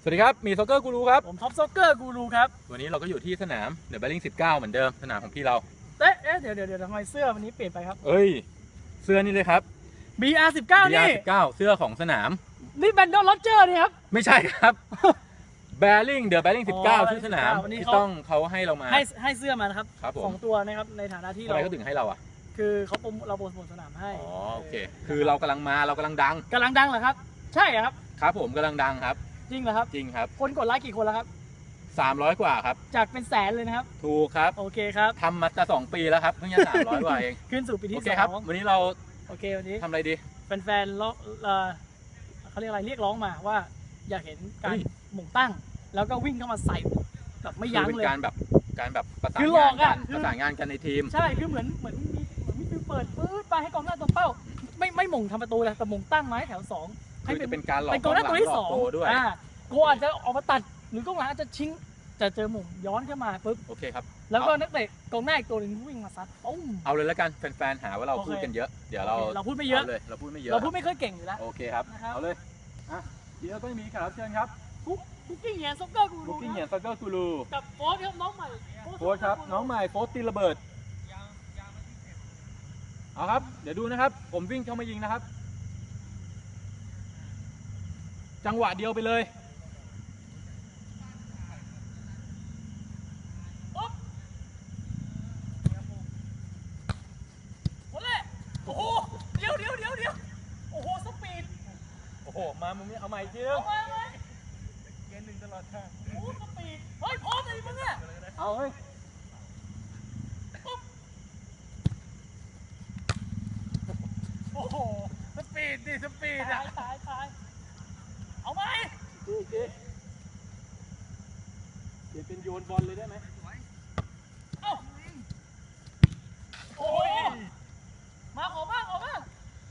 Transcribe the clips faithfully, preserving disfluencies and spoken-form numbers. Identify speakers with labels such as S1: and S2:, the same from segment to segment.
S1: สวัสดีครับมีซ็อกเกอร์กูรูครับ
S2: ผมท็อปซ็อกเกอร์กูรูครับ
S1: วันนี้เราก็อยู่ที่สนามเดอะแบริ่งสิบเก้าเหมือนเดิมสนามของพี่เรา
S2: เอ๊ะเอ๊ะเดี๋ยวเดี๋ยวเดี๋ยวทำไมเสื้อวันนี้เปลี่ยนไปครับ
S1: เอ้ยเสื้อนี่เลยครับ
S2: บี อาร์ สิบเก้า นี่
S1: บี อาร์ สิบเก้า เสื้อของสนาม
S2: นี่แบนดอนโรเจอร์นี่ครับ
S1: ไม่ใช่ครับแบริ่งเดอะแบริ่งสิบเก้าชื่อสนามที่ต้องเขาให้เรามา
S2: ให้ให้เสื้อมานะครับ
S1: ครับผม
S2: สองตัวนะครับในฐานะที่
S1: เราทำไมเขาถึงให้เราอ่ะ
S2: คือเขาโปรเราโปรโมทสนามให้
S1: อ๋อโอเคคือเรากำลังมาเรากำลังดัง
S2: กำลังดังเหรอครับใช่ครับ
S1: ครับผมกำลังดังครับ
S2: จริงเหรอครับ
S1: จริงครับ
S2: คนกดไลค์กี่คนแล้วครับ
S1: สามร้อยกว่าครับ
S2: จากเป็นแสนเลยนะครับ
S1: ถูกครับ
S2: โอเคครับ
S1: ทำมาจะสองปีแล้วครับเพิ่งจะสามร้อยกว่าเอง
S2: ขึ้นสู่ปีที่สอง
S1: ครับวันนี้เรา
S2: โอเควันนี้
S1: ทำอะไรดี
S2: แฟนๆร้องเขาเรียกอะไรเรียกร้องมาว่าอยากเห็นการหม่งตั้งแล้วก็วิ่งเข้ามาใส่แบบไม่ยั้งเลย
S1: การแบบการแบบประสานงานกันประสานงานกันในทีม
S2: ใช่คือเหมือนเหมือนมีเหมือนมีฟิวเปิดปื๊ดไปให้กองหน้าตัวเป้าไม่ไม่หม่งทำประตูเลยแต่หม่งตั้งไม้แถวสอง
S1: ให้เป็นการหลอก
S2: เป็นกองหน้าตัวที่สอง
S1: ด้วย
S2: อ่าโกอาจจะออกมาตัดหรือกองหลังอาจจะชิงจะเจอหม่งย้อนเข้ามาปุ๊บ
S1: โอเคครับ
S2: แล้วก็นักเตะกองหน้าอีกตัวหนึ่งวิ่งมาซัดปุ้ม
S1: เอาเลยแล้วกันแฟนๆหาว่าเราพูดกันเยอะเดี๋ยวเรา
S2: เราพูดไม่เยอะ
S1: เลยเราพูดไม่เยอะ
S2: เราพูดไม่ค่อยเก่งอยู่แล้ว
S1: โอเคครับเอาเลยอ่ะเดี๋ยวก็มีแขกรับเชิญครับ
S2: คุกกิ้งเหยียนซ็อกเกอร์กูรู
S1: คุกกิ้งเหยียนซ็อกเกอร์กูรู
S2: กับโฟร์ครับน้องใหม่
S1: โฟร์ครับน้องใหม่โฟร์ตีระเบิดเอาครับเดี๋ยวดูนะครับผมวิ่งเข้ามายิงนะครับจังหวะเดียวไปเลย
S2: โอ้โหเดี๋ยวเดี๋ยวเดี๋ยวเดี๋ยวโอ้โหสปีด
S1: โอ้โหมามึงนี่เอาใหม่จริง
S2: เอามาไหม
S1: เกณฑ์หนึ่งตลอดทาง
S2: โอ้สปีดเฮ้ยพร้อมเลยมึงเนี่ย
S1: เอาเฮ้ย
S2: โอ้โห
S1: สปีดดิสปีดอ่ะ
S2: ตายตายเอาไหม
S1: ดีดีเดี๋ยวเป็นโยนบอลเลยได้ไหม
S2: เอ้าโอ้ยมาขอบ้างขอบ้าง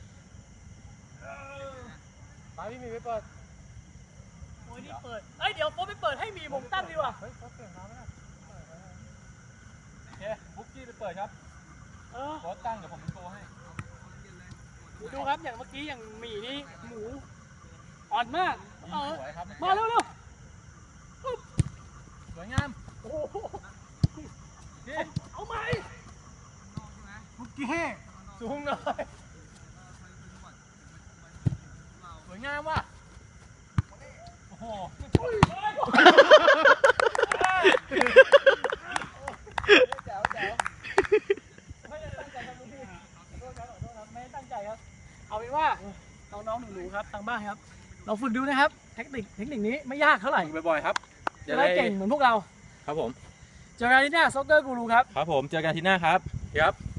S1: มาพี่มีไปเปิด
S2: โอ้ยนี่เปิดเอ้ยเดี๋ยวโฟไปเปิดให้มีมงตั้งดีกว่า
S1: เฮ้ยโฟเปลี่ยนมาไม่ได้โอเคบุ๊กกี้ไปเปิดครับ
S2: เออ
S1: โฟตั้งเดี๋ยวผมเป็นโกให้
S2: ดูครับอย่างเมื่อกี้อย่างหมี่นี่หมูอ่อนมากเออมาเร็วเร็ว
S1: สวยงาม
S2: โอ้โหเอาไหม
S1: บุ๊กกี้สูงหน่อยสวยงามว่ะโอ้โหแจ๋วแจ๋ว
S2: ไม่ได้ตั้งใจครับพี่ขอโทษครับขอโทษครับไม่ได้ตั้งใจครับเอาเป็นว่าน้องๆหนูๆครับทางบ้านครับเราฝึกดูนะครับเทคนิคเทคนิคนี้ไม่ยากเท่าไหร่
S1: บ่อยๆครับ
S2: จะได้เก่งเหมือนพวกเรา
S1: ครับผม
S2: เจอกันที่หน้าซ็อกเกอร์กูรูครับ
S1: ครับผมเจอกันที่หน้าครับครับ